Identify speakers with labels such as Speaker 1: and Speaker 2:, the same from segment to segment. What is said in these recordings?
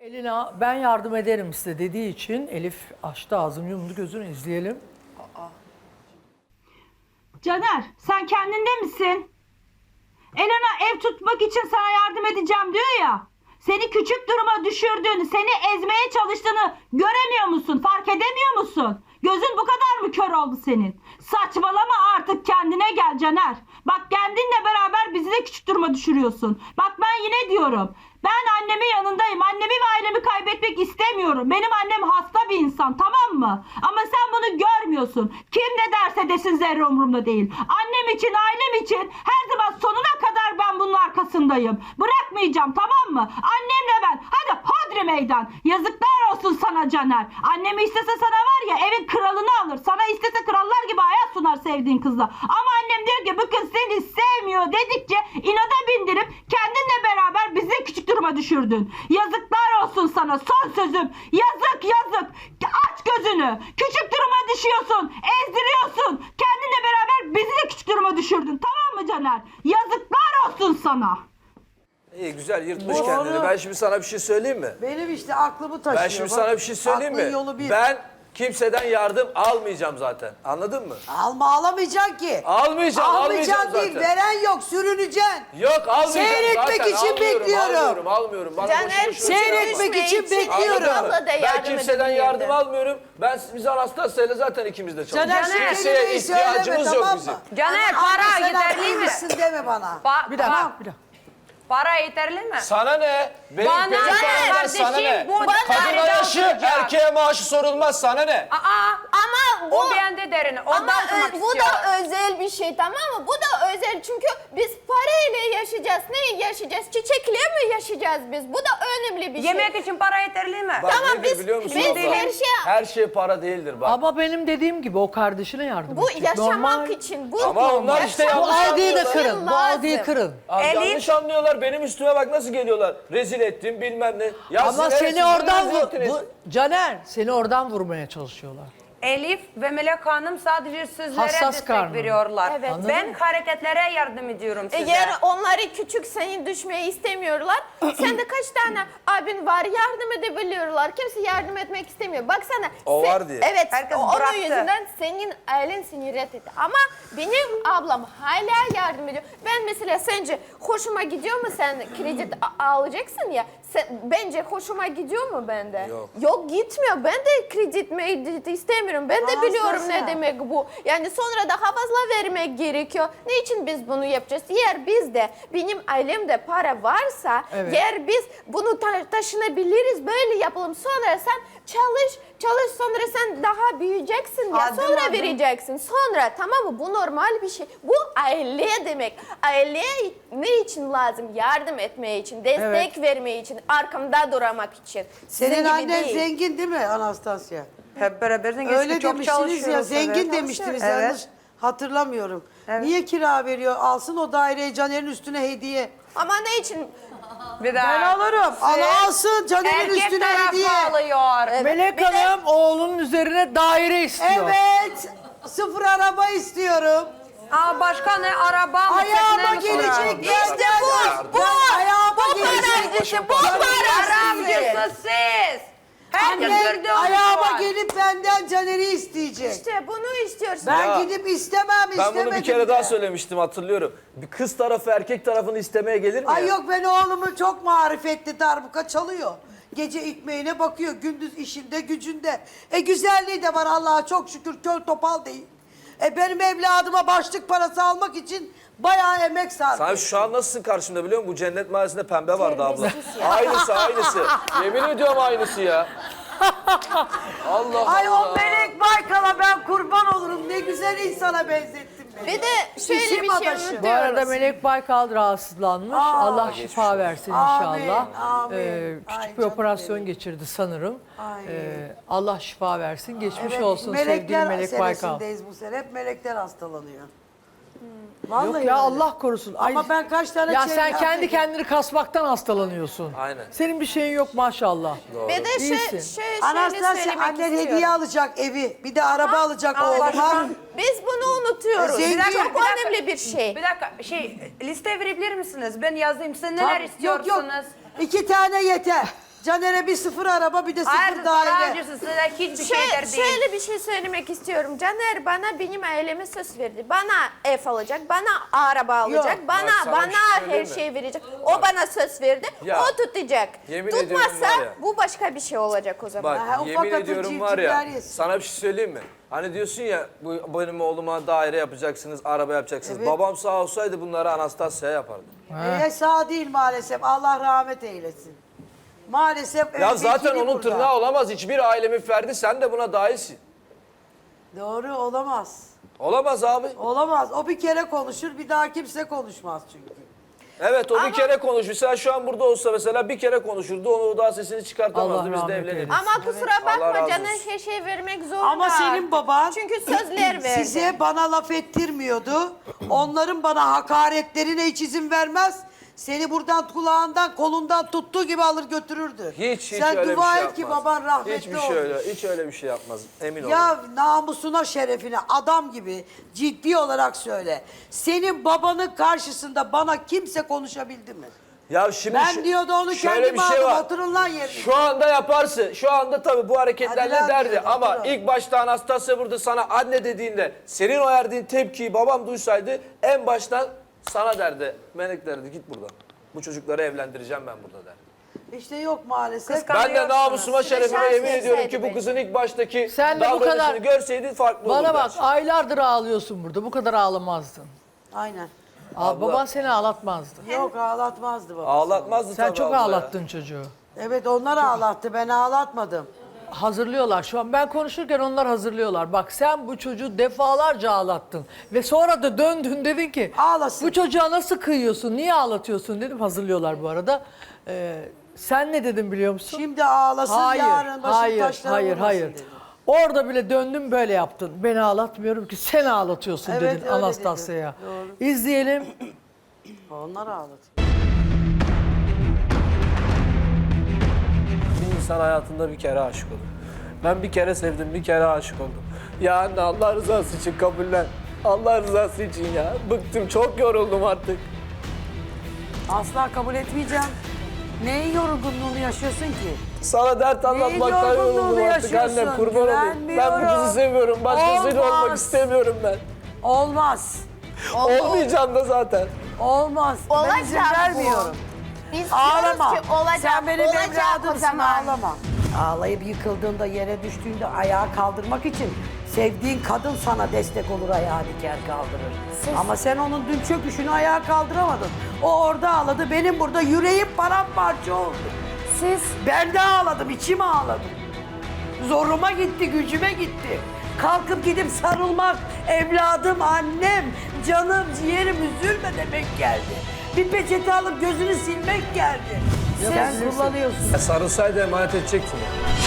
Speaker 1: Elina ben yardım ederim size dediği için Elif açtı ağzını yumdu gözünü izleyelim.
Speaker 2: Caner, sen kendinde misin? Elena ev tutmak için sana yardım edeceğim diyor ya. Seni küçük duruma düşürdüğünü, seni ezmeye çalıştığını göremiyor musun? Fark edemiyor musun? Gözün bu kadar mı kör oldu senin? Saçmalama artık, kendine gel Caner. Bak kendinle beraber bizi de küçük duruma düşürüyorsun. Bak ben yine diyorum. Ben annemin yanındayım. Annemi ve ailemi kaybetmek istemiyorum. Benim annem hasta bir insan, tamam mı? Ama sen bunu görmüyorsun. Kim ne derse desin zerre umurumda değil. Annem için, ailem için her zaman sonuna kadar ben bunun arkasındayım. Bırakmayacağım, tamam mı? Annemle ben. Hadi hodri meydan. Yazıklar olsun sana Caner. Annemi istese sana var ya evin kralını alır. Sana istese krallar gibi hayat sunar sevdiğin kızla. Ama annem diyor ki bu kız seni sevmiyor dedikçe inada bindirip kendinle beraber bizi küçük duruma düşürdün. Yazıklar olsun sana, son sözüm. Yazık yazık. Aç gözünü. Küçük duruma düşüyorsun. Ezdiriyorsun. Kendinle beraber bizi de küçük duruma düşürdün. Tamam mı Caner? Yazıklar olsun sana.
Speaker 3: İyi güzel yırtmış kendini. Ben şimdi sana bir şey söyleyeyim mi?
Speaker 4: Benim işte aklımı taşıyor.
Speaker 3: Ben şimdi sana bir şey söyleyeyim
Speaker 4: Aklın
Speaker 3: mi?
Speaker 4: yolu bir.
Speaker 3: Ben kimseden yardım almayacağım zaten. Anladın mı?
Speaker 4: Alamayacaksın ki.
Speaker 3: Almayacağım
Speaker 4: Almayacaksın
Speaker 3: zaten.
Speaker 4: değil, veren yok, sürüneceksin.
Speaker 3: Yok almayacağım
Speaker 4: Seyretmek
Speaker 3: zaten.
Speaker 4: için bekliyorum.
Speaker 3: Almıyorum. Bana
Speaker 5: Caner,
Speaker 3: boşu boşuna
Speaker 4: Seyretmek
Speaker 5: Sürüşme
Speaker 4: için
Speaker 5: için
Speaker 4: bekliyorum.
Speaker 5: Elif abla da
Speaker 3: Ben
Speaker 5: yardım
Speaker 3: kimseden
Speaker 5: edebilirdi.
Speaker 3: yardım almıyorum. Biz Anastasia'yla zaten ikimiz de
Speaker 4: Caner
Speaker 3: çalışıyoruz.
Speaker 4: şu
Speaker 3: Kimseye
Speaker 4: kelimeyi söyleme,
Speaker 3: ihtiyacımız yok
Speaker 4: tamam
Speaker 3: bizim.
Speaker 4: mı?
Speaker 6: Caner,
Speaker 4: Ama
Speaker 6: para
Speaker 4: sen
Speaker 6: yeterli mi?
Speaker 4: haklıymışsın deme bana.
Speaker 1: Bir dakika. Bir dakika.
Speaker 6: Para yeterli mi?
Speaker 3: Sana ne? Benim
Speaker 6: Bana ne
Speaker 3: paramdan sana
Speaker 6: kardeşim?
Speaker 3: ne?
Speaker 6: Bu
Speaker 3: Kadına
Speaker 6: dairede
Speaker 3: yaşı,
Speaker 6: oturacak.
Speaker 3: erkeğe maaşı sorulmaz. Sana ne?
Speaker 5: Ama
Speaker 6: O bende derin. Ondan
Speaker 5: ama
Speaker 6: oturmak
Speaker 5: bu
Speaker 6: istiyor.
Speaker 5: da özel bir şey, tamam mı? Bu da özel çünkü biz parayla yaşayacağız. Ne yaşayacağız? Çiçekle mi yaşayacağız biz? Bu da önemli bir şey.
Speaker 6: Yemek için para yeterli mi?
Speaker 3: Bak
Speaker 5: Tamam,
Speaker 3: nedir
Speaker 5: biz-
Speaker 3: biliyor musun
Speaker 5: biz
Speaker 3: abla?
Speaker 5: her
Speaker 3: Her şey para değildir bak.
Speaker 1: Ama benim dediğim gibi o kardeşine yardım
Speaker 5: Bu
Speaker 1: edecek.
Speaker 5: yaşamak
Speaker 1: Normal.
Speaker 5: için. Bu
Speaker 3: Ama onlar işte
Speaker 5: yaşamak
Speaker 1: Bu algıyı da
Speaker 5: için
Speaker 1: kırın. Bu
Speaker 5: lazım.
Speaker 1: algıyı kırın.
Speaker 3: Abi
Speaker 6: Elif-
Speaker 3: yanlış anlıyorlar. Benim üstüme bak nasıl geliyorlar. Rezil ettim bilmem ne. Ya
Speaker 1: Ama
Speaker 3: siz
Speaker 1: seni
Speaker 3: siz
Speaker 1: oradan
Speaker 3: rezil ettiniz.
Speaker 1: Caner seni oradan vurmaya çalışıyorlar.
Speaker 6: Elif ve Melek Hanım sadece sözlere
Speaker 1: Hassas
Speaker 6: destek
Speaker 1: karnı.
Speaker 6: veriyorlar.
Speaker 5: Evet.
Speaker 6: Ben hareketlere yardım ediyorum size.
Speaker 5: Eğer onları küçük seni düşmeyi istemiyorlar, sende kaç tane abin var yardım edebiliyorlar. Kimse yardım etmek istemiyor. Baksana.
Speaker 3: O var diye.
Speaker 5: Evet.
Speaker 6: Herkes
Speaker 5: onun
Speaker 6: bıraktı.
Speaker 5: yüzünden senin ailen seni reddetti. Ama benim ablam hala yardım ediyor. Ben mesela sence hoşuma gidiyor mu sen kredi alacaksın ya? Bence hoşuma gidiyor mu bende?
Speaker 3: Yok.
Speaker 5: Yok gitmiyor. Ben de kredi istemiyorum. Ben de biliyorum ne
Speaker 4: Hassas.
Speaker 5: demek bu. Yani sonra daha fazla vermek gerekiyor. Niçin biz bunu yapacağız? Eğer bizde, benim ailemde para varsa,
Speaker 1: Evet.
Speaker 5: eğer biz bunu taşınabiliriz, böyle yapalım. Sonra sen çalış sonra sen daha büyüyeceksin ya.
Speaker 4: Adım
Speaker 5: Sonra
Speaker 4: adım.
Speaker 5: vereceksin. Sonra, tamam mı? Bu normal bir şey. Bu aile demek. Aileye ne için lazım? Yardım etmeye için, destek vermeye için, arkamda durmak için. Sizin
Speaker 4: Senin
Speaker 5: gibi
Speaker 4: annen
Speaker 5: değil.
Speaker 4: zengin değil mi Anastasya?
Speaker 7: Hep beraber zengin.
Speaker 4: Öyle
Speaker 7: çok
Speaker 4: demiştiniz ya,
Speaker 7: çalışıyoruz,
Speaker 4: zengin
Speaker 7: evet.
Speaker 4: demiştiniz
Speaker 7: Evet.
Speaker 4: yanlış hatırlamıyorum. Niye kira veriyor? Alsın o daireyi Caner'in üstüne hediye.
Speaker 5: Ama ne için?
Speaker 6: Bir daha.
Speaker 4: Ben alırım. Alsın Caner'in
Speaker 6: Erkek
Speaker 4: üstüne
Speaker 6: tarafı
Speaker 4: hediye.
Speaker 6: alıyor.
Speaker 1: Melek Hanım oğlunun üzerine daire istiyor.
Speaker 4: Evet. Sıfır araba istiyorum.
Speaker 6: Aa, başka ne? Araba mı?
Speaker 4: Ayağıma
Speaker 6: tekne mi sonra?
Speaker 4: gelecek.
Speaker 5: İşte bu.
Speaker 4: Ayağıma
Speaker 5: Bu
Speaker 4: gelecek.
Speaker 5: paracısı, bu paracısı.
Speaker 6: Aramcısı siz. Herkes
Speaker 4: Annem
Speaker 6: gördü onu
Speaker 4: ayağıma
Speaker 6: şu an.
Speaker 4: gelip benden Caner'i isteyecek.
Speaker 5: İşte bunu istiyorsun.
Speaker 4: Ben
Speaker 3: Ya,
Speaker 4: gidip istemem
Speaker 3: Ben
Speaker 4: istemedim
Speaker 3: bunu bir kere
Speaker 4: de.
Speaker 3: daha söylemiştim hatırlıyorum. Bir kız tarafı erkek tarafını istemeye gelir mi
Speaker 4: Ay
Speaker 3: ya?
Speaker 4: yok ben oğlumu çok marifetli darbuka çalıyor. Gece ekmeğine bakıyor, gündüz işinde gücünde. Güzelliği de var Allah'a çok şükür, kör topal değil. Benim evladıma başlık parası almak için bayağı emek sarf
Speaker 3: Sen
Speaker 4: ettim.
Speaker 3: şu an nasılsın karşımda biliyor musun? Bu cennet mahallesinde pembe vardı abla.
Speaker 5: Terbiyesiz ya.
Speaker 3: Aynısı. Yemin ediyorum aynısı ya. Allah
Speaker 4: Ay
Speaker 3: Allah.
Speaker 4: o Melek Baykal'a ben kurban olurum. Ne güzel insana benzettin beni.
Speaker 5: Bir de şöyle
Speaker 4: Şişim
Speaker 5: bir şey
Speaker 4: adaşı.
Speaker 1: Bu arada
Speaker 5: unutuyoruz.
Speaker 1: Melek Baykal rahatsızlanmış. Allah şifa versin inşallah.
Speaker 4: amin.
Speaker 1: Küçük
Speaker 4: Ay
Speaker 1: bir
Speaker 4: canım
Speaker 1: operasyon
Speaker 4: benim.
Speaker 1: geçirdi sanırım.
Speaker 4: Ay.
Speaker 1: Allah şifa versin. Geçmiş
Speaker 4: Evet,
Speaker 1: olsun sevgili
Speaker 4: melekler
Speaker 1: Melek Baykal.
Speaker 4: senesindeyiz bu sene. Hep melekler hastalanıyor. Vallahi
Speaker 1: Yok ya
Speaker 4: öyle.
Speaker 1: Allah korusun.
Speaker 4: Ama ben kaç tane
Speaker 1: Ya sen
Speaker 4: çevremde-
Speaker 1: kendi kendini kasmaktan hastalanıyorsun.
Speaker 3: Aynen.
Speaker 1: Senin bir şeyin yok maşallah.
Speaker 5: Bir de
Speaker 1: İyisin.
Speaker 5: şöyle
Speaker 4: Anastasya
Speaker 5: söylemek
Speaker 4: annen
Speaker 5: istiyorum.
Speaker 4: hediye alacak evi. Bir de araba alacak oğluma.
Speaker 5: Biz bunu unutuyoruz.
Speaker 4: Zengin.
Speaker 5: Çok önemli bir şey.
Speaker 6: Bir dakika liste verebilir misiniz? Ben yazayım. Siz neler
Speaker 4: Yok
Speaker 6: istiyorsunuz?
Speaker 4: yok. 2 tane yeter. Caner'e bir 0 araba bir de 0
Speaker 6: Hayır, para
Speaker 4: daire.
Speaker 6: harcıyorsun size hiçbir şeyler değil.
Speaker 5: Şöyle bir şey söylemek istiyorum. Caner bana benim aileme söz verdi. Bana ev alacak, bana araba alacak,
Speaker 3: Bak sana
Speaker 5: bana
Speaker 3: bir şey
Speaker 5: her
Speaker 3: söyleyeyim mi?
Speaker 5: şey verecek. O bana söz verdi.
Speaker 3: Ya,
Speaker 5: O tutacak.
Speaker 3: yemin ediyorum
Speaker 5: Tutmazsa
Speaker 3: var ya.
Speaker 5: bu başka bir şey olacak o zaman.
Speaker 3: Bak
Speaker 4: Ha, ufak
Speaker 3: yemin
Speaker 4: atın
Speaker 3: ediyorum var ya,
Speaker 4: civcivler yesin.
Speaker 3: sana bir şey söyleyeyim mi? Hani diyorsun ya benim oğluma daire yapacaksınız, araba yapacaksınız.
Speaker 4: Evet.
Speaker 3: Babam sağ olsaydı bunları Anastasya'ya yapardı.
Speaker 4: Sağ değil maalesef. Allah rahmet eylesin. Maalesef
Speaker 3: Ya zaten
Speaker 4: vekili
Speaker 3: onun
Speaker 4: burada.
Speaker 3: tırnağı olamaz. Hiçbir ailemin ferdi, sen de buna dahilsin.
Speaker 4: Doğru olamaz.
Speaker 3: Olamaz abi.
Speaker 4: Olamaz. O bir kere konuşur, bir daha kimse konuşmaz çünkü.
Speaker 3: Evet o bir kere konuşur. Sen şu an burada olsa mesela bir kere konuşurdu. Onu daha sesini çıkartamazdı.
Speaker 1: Allah
Speaker 3: Biz de
Speaker 1: rahmet
Speaker 3: evlenirdik.
Speaker 1: eylesin.
Speaker 5: Ama kusura
Speaker 3: Allah razı
Speaker 5: bakma
Speaker 3: olsun.
Speaker 5: Caner her şey vermek zorunda.
Speaker 4: Ama senin baban
Speaker 5: Çünkü sözler verdi.
Speaker 4: size bana laf ettirmiyordu. Onların bana hakaretlerine hiç izin vermez. Seni buradan kulağından kolundan tuttuğu gibi alır götürürdü.
Speaker 3: Hiç
Speaker 4: Sen
Speaker 3: öyle bir
Speaker 4: dua
Speaker 3: şey
Speaker 4: et ki
Speaker 3: yapmaz.
Speaker 4: baban rahmetli
Speaker 3: Hiçbir
Speaker 4: olmuş.
Speaker 3: şey öyle, hiç öyle bir şey yapmaz. Emin olun.
Speaker 4: Ya namusuna şerefine adam gibi ciddi olarak söyle. Senin babanın karşısında bana kimse konuşabildi mi?
Speaker 3: Ya şimdi
Speaker 4: Ben diyordu onu
Speaker 3: şöyle
Speaker 4: kendim
Speaker 3: bir şey
Speaker 4: aldım,
Speaker 3: var.
Speaker 4: oturun lan yerine.
Speaker 3: Şu anda yaparsın. Şu anda tabii bu hareketlerle
Speaker 4: Hadi lan
Speaker 3: derdi.
Speaker 4: diyordu,
Speaker 3: Ama
Speaker 4: oturun.
Speaker 3: ilk başta Anastasya burada sana anne dediğinde senin o verdiğin tepkiyi babam duysaydı en baştan sana derdi. Melek derdi git buradan. Bu çocukları evlendireceğim ben burada derdi.
Speaker 4: İşte yok maalesef.
Speaker 3: Ben de namusuma şerefime
Speaker 5: Şans
Speaker 3: yemin ediyorum ki
Speaker 5: verseydi
Speaker 3: bu
Speaker 5: belki.
Speaker 3: kızın ilk baştaki
Speaker 1: Sen de bu
Speaker 3: davranışını
Speaker 1: kadar-
Speaker 3: görseydin farklı olurdu.
Speaker 1: Bana bak
Speaker 3: her şey.
Speaker 1: aylardır ağlıyorsun burada. Bu kadar ağlamazdın.
Speaker 4: Aynen.
Speaker 1: Baban seni ağlatmazdı.
Speaker 4: Yok ağlatmazdı baba.
Speaker 3: Ağlatmazdı
Speaker 1: Sen
Speaker 3: tabii
Speaker 1: çok
Speaker 3: abla ya.
Speaker 1: ağlattın çocuğu.
Speaker 4: Evet onlar ağlattı ben ağlatmadım.
Speaker 1: Hazırlıyorlar şu an. Ben konuşurken onlar hazırlıyorlar. Bak sen bu çocuğu defalarca ağlattın. Ve sonra da döndün dedin ki
Speaker 4: Ağlasın.
Speaker 1: bu çocuğa nasıl kıyıyorsun, niye ağlatıyorsun dedim. Hazırlıyorlar bu arada. Sen ne dedin biliyor musun?
Speaker 4: Şimdi ağlasın yarın başım taşlara vurmasın dedim.
Speaker 1: Orada bile döndün böyle yaptın. Beni ağlatmıyorum ki sen ağlatıyorsun
Speaker 4: Evet,
Speaker 1: dedin
Speaker 4: öyle
Speaker 1: Anastasya'ya.
Speaker 4: dedim.
Speaker 1: İzleyelim.
Speaker 4: Onlar ağladı.
Speaker 3: Bir insan hayatında bir kere aşık olur. Ben bir kere sevdim, bir kere aşık oldum. Ya anne Allah rızası için kabullen. Allah rızası için ya. Bıktım, çok yoruldum artık.
Speaker 4: Asla kabul etmeyeceğim. Neyin yorgunluğunu yaşıyorsun ki?
Speaker 3: Sana dert anlatmaktan
Speaker 4: yorgunluğunu
Speaker 3: yoruldum artık anne.
Speaker 4: yaşıyorsun?
Speaker 3: Kurban olayım. Ben bu
Speaker 4: Güvenmiyorum.
Speaker 3: kızı seviyorum. Başkasıyla
Speaker 4: Olmaz.
Speaker 3: olmak istemiyorum ben.
Speaker 4: Olmaz.
Speaker 3: Olmayacağım da zaten.
Speaker 4: Olmaz. Ben izin
Speaker 5: Olacak bu.
Speaker 4: vermiyorum.
Speaker 5: Biz
Speaker 4: Ağlama.
Speaker 5: diyoruz ki olacak,
Speaker 4: Sen benim
Speaker 5: olacak o
Speaker 4: evladımsın
Speaker 5: zaman.
Speaker 4: ağlama. Ağlayıp yıkıldığında yere düştüğünde ayağa kaldırmak için sevdiğin kadın sana destek olur ayağa diker kaldırır. Ama sen onun dün çöküşünü ayağa kaldıramadın. O orada ağladı benim burada yüreğim paramparça oldu. Ben de ağladım içim ağladı. Zoruma gitti gücüme gitti. Kalkıp gidip sarılmak evladım annem canım ciğerim üzülme demek geldi. Bir peçete alıp gözünü silmek geldi. Sen kullanıyorsun.
Speaker 3: Sarılsaydı emanet edecektin.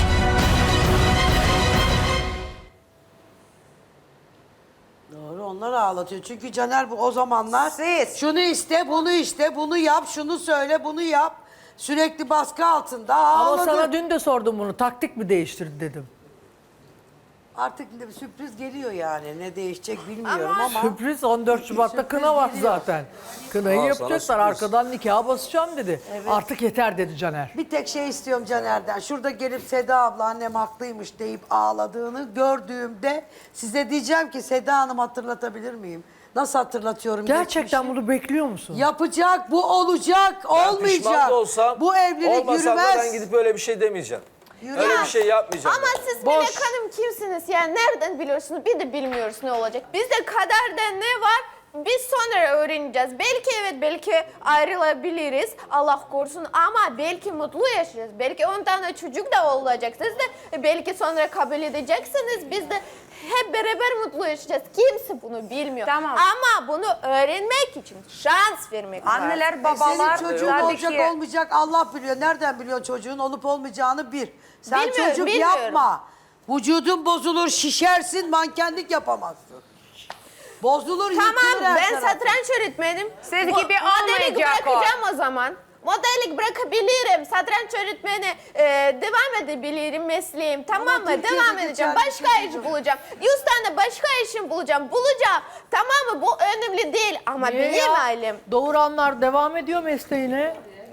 Speaker 4: Doğru onlar ağlatıyor. Çünkü Caner bu o zamanlar
Speaker 6: Siz.
Speaker 4: şunu iste, bunu iste, bunu yap, şunu söyle, bunu yap. Sürekli baskı altında
Speaker 1: Ama
Speaker 4: ağladı.
Speaker 1: sana dün de sordum bunu. Taktik mi değiştirdi dedim.
Speaker 4: Artık bir sürpriz geliyor yani. Ne değişecek bilmiyorum ama.
Speaker 1: Sürpriz 14 Şubat'ta kına var
Speaker 4: geliyor.
Speaker 1: zaten. Kınayı
Speaker 3: Aa, sana
Speaker 1: yapacaklar.
Speaker 3: sürpriz.
Speaker 1: Arkadan nikaha basacağım dedi. Artık yeter dedi Caner.
Speaker 4: Bir tek şey istiyorum Caner'den. Şurada gelip Seda abla annem haklıymış deyip ağladığını gördüğümde size diyeceğim ki Seda Hanım hatırlatabilir miyim? Nasıl hatırlatıyorum
Speaker 1: Gerçekten
Speaker 4: geçmişi?
Speaker 1: bunu bekliyor musun?
Speaker 4: Yapacak, bu olacak,
Speaker 3: Ben
Speaker 4: olmayacak.
Speaker 3: pişman da olsam,
Speaker 4: Bu evlilik
Speaker 3: olmasam da
Speaker 4: yürümez.
Speaker 3: ben gidip öyle bir şey demeyeceğim.
Speaker 4: Yürümez.
Speaker 3: Öyle bir şey yapmayacağım.
Speaker 5: Ama
Speaker 3: ben.
Speaker 5: siz
Speaker 4: Boş.
Speaker 5: Melek Hanım kimsiniz? Yani nereden biliyorsunuz? Bir de bilmiyoruz ne olacak. Bizde kaderde ne var? Biz sonra öğreneceğiz. Belki evet belki ayrılabiliriz. Allah korusun ama belki mutlu yaşayacağız. Belki 10 tane çocuk da olacak. Siz de belki sonra kabul edeceksiniz. Biz de hep beraber mutlu yaşayacağız. Kimse bunu bilmiyor.
Speaker 6: Tamam.
Speaker 5: Ama bunu öğrenmek için şans vermek lazım.
Speaker 6: Anneler, babalar
Speaker 4: Senin çocuğun
Speaker 6: tabii
Speaker 4: olacak
Speaker 6: ki
Speaker 4: olmayacak Allah biliyor. Nereden biliyor çocuğun olup olmayacağını bir. Sen
Speaker 5: Bilmiyorum,
Speaker 4: çocuk
Speaker 5: bilmiyorum.
Speaker 4: yapma. Vücudun bozulur, şişersin, mankenlik yapamazsın. Bozulur, yıkılır
Speaker 5: Tamam
Speaker 4: her
Speaker 5: ben
Speaker 4: tarafın.
Speaker 5: satranç öğretmenim.
Speaker 6: Siz
Speaker 5: Mo-
Speaker 6: gibi
Speaker 5: modellik
Speaker 6: olmayacak o.
Speaker 5: bırakacağım o zaman. Modellik bırakabilirim. Satranç öğretmeni devam edebilirim mesleğim. Tamam mı?
Speaker 4: Türkiye'deki
Speaker 5: Devam edeceğim.
Speaker 4: kendi
Speaker 5: Başka
Speaker 4: çocuğu.
Speaker 5: iş bulacağım. 100 tane başka işim bulacağım. Bulacağım. Tamam mı? Bu önemli değil. Ama
Speaker 1: Niye
Speaker 5: benim
Speaker 1: ya?
Speaker 5: ailem.
Speaker 1: Doğuranlar devam ediyor mesleğine.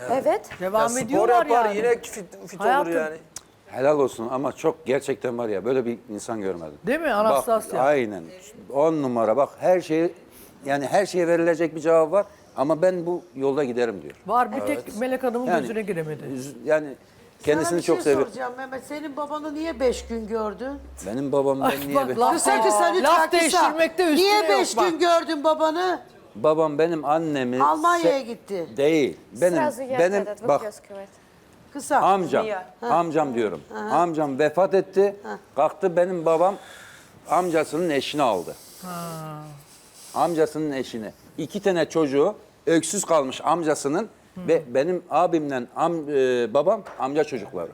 Speaker 5: Evet.
Speaker 1: Devam
Speaker 3: Spor
Speaker 1: ediyorlar
Speaker 3: yapar
Speaker 1: yani.
Speaker 3: yine fit olur
Speaker 1: Hayatım.
Speaker 3: yani.
Speaker 7: Helal olsun ama çok gerçekten var ya böyle bir insan görmedim.
Speaker 1: Değil mi
Speaker 7: Bak,
Speaker 1: Anastasya?
Speaker 7: aynen. 10 numara bak her şeyi yani her şeye verilecek bir cevap var ama ben bu yolda giderim diyor.
Speaker 1: Var bir tek Melek Hanım'ın
Speaker 7: Yani,
Speaker 1: gözüne giremedi.
Speaker 7: Yani kendisini
Speaker 4: Sana bir
Speaker 7: çok
Speaker 4: şey
Speaker 7: seviyor.
Speaker 4: soracağım Mehmet. Senin babanı niye 5 gün gördün?
Speaker 7: Benim babam ben niye
Speaker 1: bak, laf-
Speaker 4: Kısa kısa lütfen
Speaker 1: laf
Speaker 4: kısa.
Speaker 1: değiştirmekte üstüne
Speaker 4: Niye
Speaker 1: yok
Speaker 4: 5
Speaker 1: bak.
Speaker 4: gün gördün babanı?
Speaker 7: babam benim annemi
Speaker 4: Almanya'ya gitti.
Speaker 7: Değil. Benim bak
Speaker 4: Kısa.
Speaker 7: amcam diyorum. Amcam vefat etti. Kalktı benim babam amcasının eşini aldı. Amcasının eşini. 2 tane çocuğu öksüz kalmış amcasının ve benim abimle babam amca çocukları.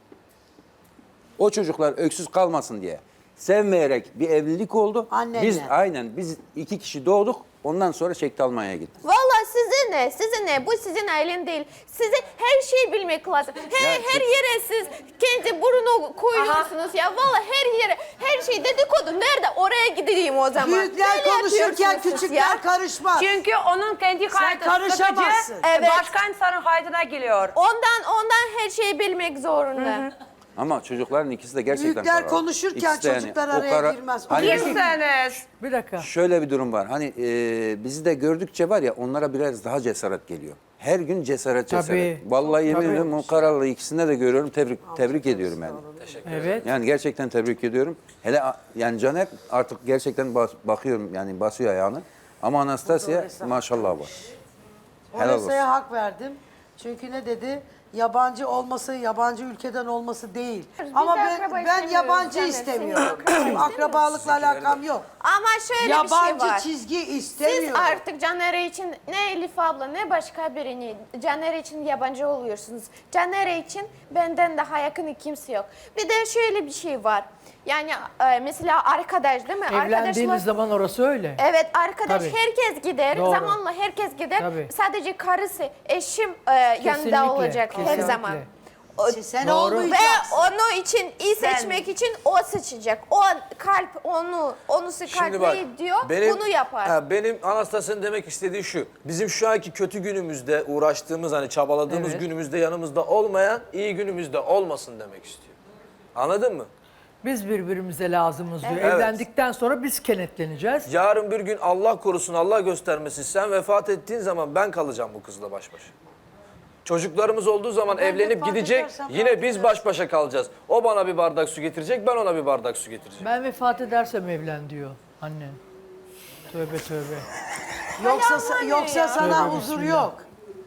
Speaker 7: O çocuklar öksüz kalmasın diye sevmeyerek bir evlilik oldu.
Speaker 4: Annenle.
Speaker 7: Biz 2 kişi doğduk. Ondan sonra çekti Almanya'ya gitti.
Speaker 5: Vallahi size ne? Bu sizin ailen değil. Size her şeyi bilmek lazım. Her yere siz kendi burnu koyuyorsunuz ya. Vallahi her yere, her şey dedikodu. Nerede? Oraya gideyim o zaman.
Speaker 4: Büyükler
Speaker 5: Böyle
Speaker 4: konuşurken
Speaker 5: yapıyorsunuz
Speaker 4: küçükler
Speaker 5: ya.
Speaker 4: karışmaz.
Speaker 6: Çünkü onun kendi kaydı
Speaker 4: karışamazsın.
Speaker 5: Evet.
Speaker 6: başka insanın kaydına geliyor.
Speaker 5: Ondan her şeyi bilmek zorunda.
Speaker 7: Ama çocukların ikisi de gerçekten
Speaker 4: Büyükler
Speaker 7: kararlı.
Speaker 4: konuşurken
Speaker 7: İkisi de yani
Speaker 4: çocuklar
Speaker 7: o
Speaker 4: araya girmez.
Speaker 7: Hani
Speaker 6: Kimseniz.
Speaker 1: Bir dakika.
Speaker 7: şöyle bir durum var. Hani bizi de gördükçe var ya onlara biraz daha cesaret geliyor. Her gün cesaret.
Speaker 1: Tabii.
Speaker 7: Vallahi yemin
Speaker 1: Tabii.
Speaker 7: ediyorum o kararlı ikisinde de görüyorum. Tebrik ediyorum yani.
Speaker 1: Evet.
Speaker 7: Yani gerçekten tebrik ediyorum. Hele yani Caner artık gerçekten bakıyorum yani basıyor ayağını. Ama Anastasya maşallah var. Helal olsun.
Speaker 4: Oresa'ya hak verdim. Çünkü ne dedi? Yabancı olması, yabancı ülkeden olması değil. Ama
Speaker 5: akraba
Speaker 4: ben
Speaker 5: istemiyoruz
Speaker 4: yabancı
Speaker 5: Caner.
Speaker 4: istemiyorum.
Speaker 5: Senin
Speaker 4: Benim akrabalıkla alakam yok.
Speaker 5: Ama şöyle bir şey
Speaker 4: Yabancı
Speaker 5: var.
Speaker 4: çizgi
Speaker 5: Siz
Speaker 4: istemiyorum.
Speaker 5: artık Caner için ne Elif abla ne başka birini Caner için yabancı oluyorsunuz. Caner için benden daha yakın kimse yok. Bir de şöyle bir şey var. Yani mesela arkadaş değil mi?
Speaker 1: Evlendiğiniz zaman orası öyle.
Speaker 5: Evet arkadaş
Speaker 1: Tabii.
Speaker 5: herkes gider.
Speaker 1: Doğru.
Speaker 5: Zamanla herkes gider.
Speaker 1: Tabii.
Speaker 5: Sadece karısı, eşim
Speaker 1: Kesinlikle,
Speaker 5: yanında olacak her
Speaker 1: kesinlikle.
Speaker 5: zaman.
Speaker 4: Sen
Speaker 1: Doğru.
Speaker 5: Ve
Speaker 4: olmayacaksın.
Speaker 5: onu için iyi seçmek için o seçecek. O kalp onu
Speaker 3: Şimdi bak,
Speaker 5: kalp diyor bunu yapar.
Speaker 3: Benim Anastasya'nın demek istediği şu. Bizim şu anki kötü günümüzde uğraştığımız hani çabaladığımız
Speaker 1: Evet.
Speaker 3: günümüzde yanımızda olmayan iyi günümüzde olmasın demek istiyor. Anladın mı?
Speaker 1: Biz birbirimize lazımız diyor.
Speaker 3: Evet.
Speaker 1: Evlendikten sonra biz kenetleneceğiz.
Speaker 3: Yarın bir gün Allah korusun Allah göstermesin sen vefat ettiğin zaman ben kalacağım bu kızla baş başa. Çocuklarımız olduğu zaman
Speaker 4: Ben
Speaker 3: evlenip
Speaker 4: vefat
Speaker 3: gidecek
Speaker 4: edersem ne
Speaker 3: yine biz
Speaker 4: yapacağız?
Speaker 3: baş başa kalacağız. O bana bir bardak su getirecek ben ona bir bardak su getireceğim.
Speaker 1: Ben vefat edersem evlen diyor annen. Tövbe tövbe.
Speaker 4: Yoksa sana
Speaker 1: Tövbe
Speaker 4: huzur
Speaker 1: bismillah.
Speaker 4: yok.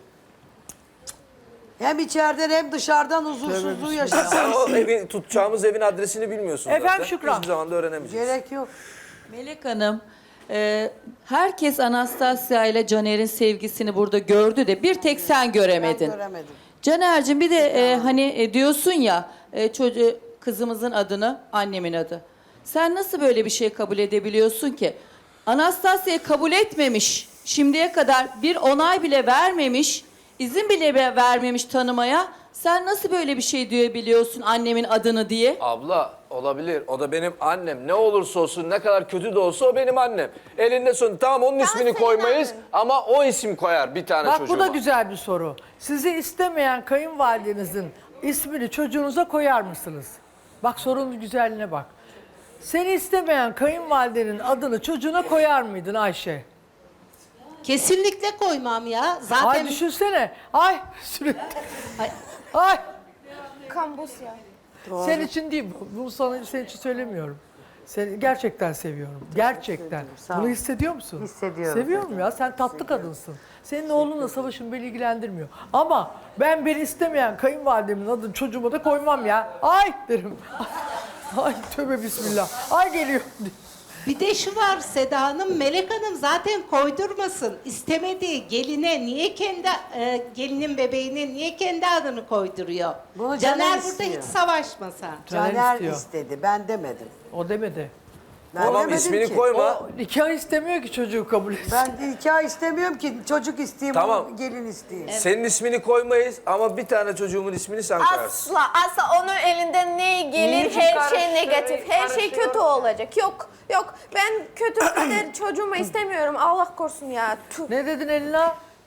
Speaker 4: Hem içeriden hem dışarıdan huzursuzluğu
Speaker 1: Tövbe
Speaker 4: yaşarsın.
Speaker 3: Sen o tutacağımız evin adresini bilmiyorsun
Speaker 1: Efendim
Speaker 3: zaten.
Speaker 1: Şükran.
Speaker 3: Hiçbir zaman da öğrenemeyeceksin.
Speaker 4: Gerek yok.
Speaker 8: Melek Hanım, herkes Anastasya ile Caner'in sevgisini burada gördü de bir tek sen
Speaker 4: Ben
Speaker 8: göremedin.
Speaker 4: göremedim.
Speaker 8: Caner'cim bir de hani diyorsun ya kızımızın adını annemin adı. Sen nasıl böyle bir şey kabul edebiliyorsun ki? Anastasya'yı kabul etmemiş, şimdiye kadar bir onay bile vermemiş, izin bile vermemiş tanımaya. Sen nasıl böyle bir şey diyebiliyorsun annemin adını diye?
Speaker 3: Abla olabilir. O da benim annem. Ne olursa olsun, ne kadar kötü de olsa o benim annem. Elinde son. Tamam onun ismini
Speaker 5: senin
Speaker 3: koymayız
Speaker 5: annen.
Speaker 3: ama o isim koyar bir tane
Speaker 1: Bak
Speaker 3: çocuğuma.
Speaker 1: bu da güzel bir soru. Sizi istemeyen kayınvalidenizin ismini çocuğunuza koyar mısınız? Bak sorunun güzelliğine bak. Seni istemeyen kayınvalidenin adını çocuğuna koyar mıydın Ayşe?
Speaker 9: Kesinlikle koymam ya.
Speaker 1: Ay
Speaker 9: Zaten
Speaker 1: düşünsene. Ay sürekli. Ay.
Speaker 5: Kambus ya.
Speaker 1: Sen için değil bu. Bunu sana senin için söylemiyorum. Seni gerçekten seviyorum. Gerçekten. Bunu hissediyor musun?
Speaker 4: Hissediyorum.
Speaker 1: Seviyorum ya. Sen tatlı kadınsın. Senin oğlunla savaşın beni ilgilendirmiyor. Ama ben beni istemeyen kayınvalidemin adını çocuğuma da koymam ya. Ay derim. Ay tövbe bismillah. Ay geliyor.
Speaker 9: bir de şu var Seda Hanım, Melek Hanım zaten koydurmasın. İstemediği geline niye kendi gelinin bebeğine niye kendi adını koyduruyor?
Speaker 4: Bunu
Speaker 9: Caner
Speaker 4: Caner
Speaker 9: burada
Speaker 4: istiyor.
Speaker 9: hiç savaşmasa.
Speaker 1: Caner
Speaker 4: Caner
Speaker 1: istiyor.
Speaker 4: istedi. Ben demedim.
Speaker 1: O demedi.
Speaker 4: Ben
Speaker 3: Tamam
Speaker 4: demedim
Speaker 3: ismini
Speaker 4: ki.
Speaker 3: koyma.
Speaker 1: O nikah istemiyor ki çocuğu kabul etsin.
Speaker 4: Ben nikah istemiyorum ki. Çocuk isteyeyim,
Speaker 3: Tamam.
Speaker 4: gelin isteyeyim.
Speaker 3: Senin ismini koymayız ama bir tane çocuğumun ismini sen koyarsın.
Speaker 5: Asla onun elinden ne gelir her şey negatif. Her şey kötü olacak. Yok ben kötü kader çocuğumu istemiyorum. Allah korusun ya. Tüh.
Speaker 1: Ne dedin Elina?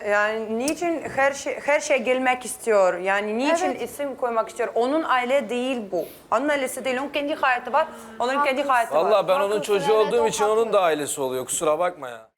Speaker 6: Yani niçin her şeye gelmek istiyor? Yani niçin
Speaker 5: Evet.
Speaker 6: isim koymak istiyor? Onun aile değil bu. Onun ailesi değil. Onun kendi hayatı var. Onun kendi hayatı var.
Speaker 3: Vallahi ben onun
Speaker 5: Haklısın,
Speaker 3: çocuğu
Speaker 5: evet,
Speaker 3: olduğum
Speaker 5: o
Speaker 3: için
Speaker 5: haklı.
Speaker 3: onun da ailesi oluyor. Kusura bakma ya.